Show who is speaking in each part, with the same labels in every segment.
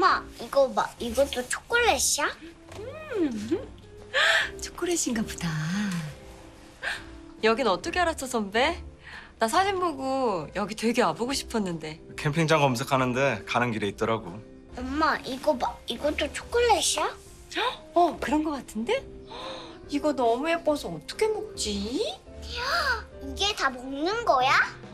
Speaker 1: 엄마, 이거 봐. 이것도 초콜릿이야?
Speaker 2: 초콜릿인가 보다. 여긴 어떻게 알았어, 선배? 나 사진 보고 여기 되게 와보고 싶었는데.
Speaker 3: 캠핑장 검색하는데 가는 길에 있더라고.
Speaker 1: 엄마, 이거 봐. 이것도 초콜릿이야?
Speaker 2: 그런 거 같은데? 이거 너무 예뻐서 어떻게 먹지?
Speaker 1: 이게 다 먹는 거야?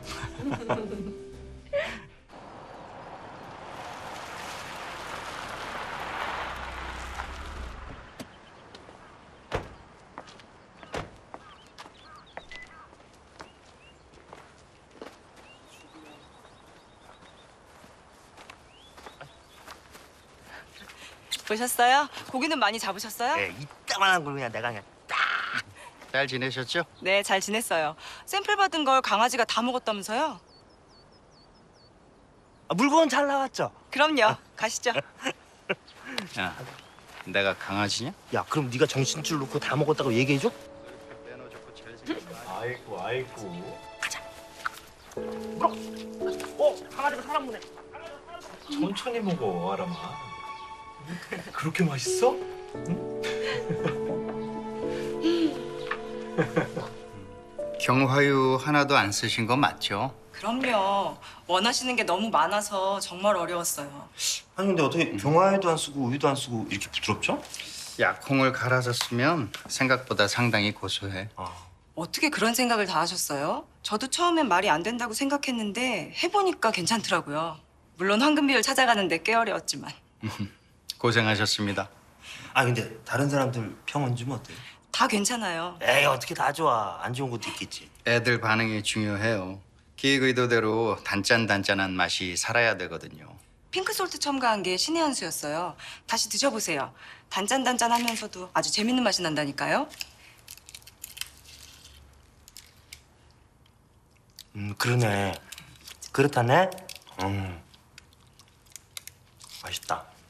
Speaker 2: 보셨어요? 고기는 많이 잡으셨어요?
Speaker 4: 예, 이따만한 걸 그냥 내가 그냥 딱. 잘 지내셨죠?
Speaker 2: 네, 잘 지냈어요. 샘플 받은 걸 강아지가 다 먹었다면서요?
Speaker 4: 물건 잘 나왔죠?
Speaker 2: 그럼요. 가시죠.
Speaker 5: 야, 내가 강아지냐?
Speaker 4: 야, 그럼 네가 정신줄 놓고 다 먹었다고 얘기해줘?
Speaker 3: 아이고.
Speaker 4: 강아지가 사람 보네.
Speaker 3: 천천히 먹어, 아람아. 그렇게 맛있어?
Speaker 5: 경화유 하나도 안 쓰신 거 맞죠?
Speaker 2: 그럼요. 원하시는 게 너무 많아서 정말 어려웠어요.
Speaker 4: 아니 근데 어떻게 경화에도 안 쓰고 우유도 안 쓰고 이렇게 부드럽죠?
Speaker 5: 약콩을 갈아서 쓰면 생각보다 상당히 고소해.
Speaker 2: 어떻게 그런 생각을 다 하셨어요? 저도 처음엔 말이 안 된다고 생각했는데 해보니까 괜찮더라고요. 물론 황금비율 찾아가는데 꽤 어려웠지만.
Speaker 5: 고생하셨습니다.
Speaker 4: 아 근데 다른 사람들 평은 좀 어때?
Speaker 2: 다 괜찮아요.
Speaker 4: 에이 어떻게 다 좋아. 안 좋은 것도 있겠지.
Speaker 5: 애들 반응이 중요해요. 기획 의도대로 단짠단짠한 맛이 살아야 되거든요.
Speaker 2: 핑크솔트 첨가한 게 신의 한 수였어요. 다시 드셔보세요. 단짠단짠하면서도 아주 재밌는 맛이 난다니까요.
Speaker 4: 그러네. 그렇다네. 맛있다.